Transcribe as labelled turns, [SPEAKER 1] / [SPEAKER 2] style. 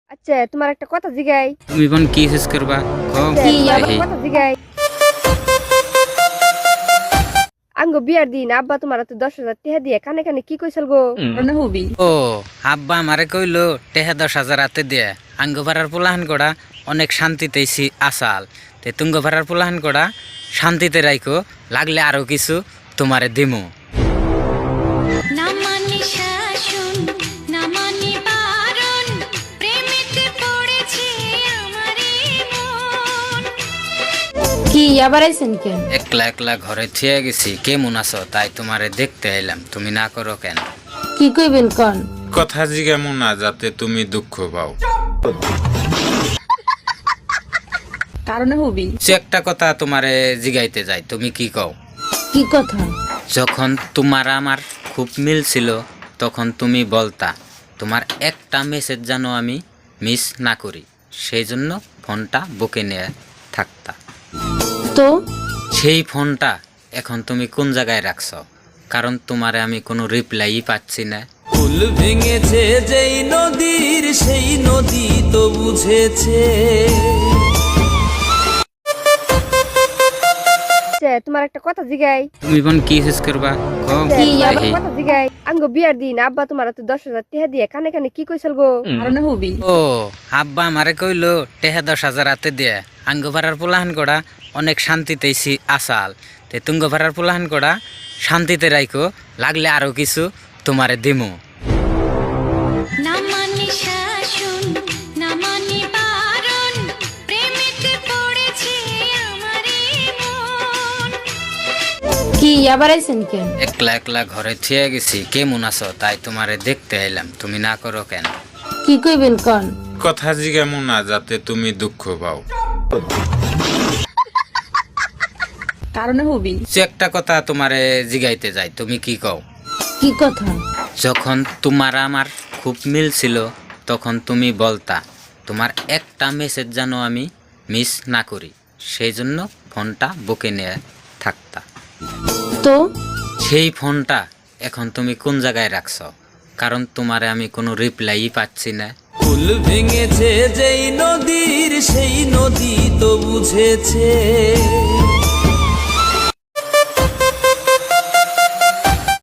[SPEAKER 1] আচ্ছা তোমার একটা কথা জিগাই।
[SPEAKER 2] তুমি বোন কি শেষ করবা কও
[SPEAKER 1] কি আবার
[SPEAKER 2] দেখি।
[SPEAKER 1] কথা জিগাই। আঙ্গো বিয়ার দিন আব্বা তোমার তো 10,000 টাকা দিয়ে কানে কানে কি কইছিল গো?
[SPEAKER 2] ও আব্বা আমারে কইলো টেহা 10,000 হাতে দিয়ে আঙ্গ ভাড়ার পোলাহান করা অনেক শান্তিতেইছি আসাল তে তুঙ্গ ভাড়ার পোলাহান করা শান্তিতে রাইখো লাগলে আরো কিছু তোমারে দিমু।
[SPEAKER 3] না মানি শাসন না মানি বারণ প্রেমেতে পড়েছে আমারে মন।
[SPEAKER 4] কি আবার আইছেন কেন?
[SPEAKER 2] একলা একলা ঘরে থিয়ে গেছি কেমন আছো তাই তোমারে দেখতে এলাম, তুমি না করো কেন?
[SPEAKER 4] কি কইবেন কোন?
[SPEAKER 5] কথা জিজ্ঞামো না যাতে তুমি দুঃখ পাও।
[SPEAKER 4] কারণে হবি
[SPEAKER 2] সে একটা কথা তোমারে জিগাইতে যাই, তুমি কি কও?
[SPEAKER 4] কি কথা?
[SPEAKER 2] যখন তোমার আমার খুব মিল ছিল তখন তুমি বলতা তোমার একটা মেসেজ যেন আমি মিস না করি, সেই জন্য ফোনটা বুকে নিয়ে থাকতা।
[SPEAKER 4] তো
[SPEAKER 2] সেই ফোনটা এখন তুমি কোন জায়গায় রাখছ? কারণ তোমারে আমি কোনো রিপ্লাই পাচ্ছি না।
[SPEAKER 6] ফুল ভেঙেছে যেই নদীর সেই নদী তো বুঝেছে।
[SPEAKER 1] আচ্ছা তোমার একটা কথা জিগাই।
[SPEAKER 2] তুমি বোন কি শেষ করবা কও
[SPEAKER 1] কি আবার
[SPEAKER 2] দেখি।
[SPEAKER 1] কথা জিগাই। আঙ্গো বিয়ার দিন আব্বা তোমার তো 10,000 টাকা দিয়ে কানে কানে কি কইছিল গো?
[SPEAKER 4] কারণে হবি
[SPEAKER 2] ও আব্বা আমারে কইলো টেহা 10,000 হাতে দিয়ে আঙ্গ ভাড়ার পোলাহান করা অনেক শান্তিতেইছি আসাল তে তুঙ্গ ভাড়ার পোলাহান করা শান্তিতে রাইখো লাগলে আরো কিছু তোমারে দিমু।
[SPEAKER 3] না মানি শাসন না মানি বারণ প্রেমেতে পড়েছে আমারে মন।
[SPEAKER 4] কি আবার আইছেন কেন?
[SPEAKER 2] একলা একলা ঘরে থিয়ে গেছি কেমন আছো তাই তোমারে দেখতে এলাম, তুমি না করো কেন?
[SPEAKER 4] কি কইবেন কোন?
[SPEAKER 5] কথা জিজ্ঞামো না যাতে তুমি দুঃখ পাও।
[SPEAKER 4] কারণে হবি
[SPEAKER 2] সে একটা কথা তোমারে জিগাইতে যাই, তুমি কি কও?
[SPEAKER 4] কি কথা?
[SPEAKER 2] যখন তোমার আমার খুব মিল ছিল তখন তুমি বলতা তোমার একটা মেসেজ যেন আমি মিস না করি, সেই জন্য ফোনটা বুকে নিয়ে থাকতা।
[SPEAKER 4] তো
[SPEAKER 2] সেই ফোনটা এখন তুমি কোন জায়গায় রাখছ? কারণ তোমারে আমি কোনো রিপ্লাই পাচ্ছি না।
[SPEAKER 6] ফুল ভেঙেছে যেই নদীর সেই নদী তো বুঝেছে।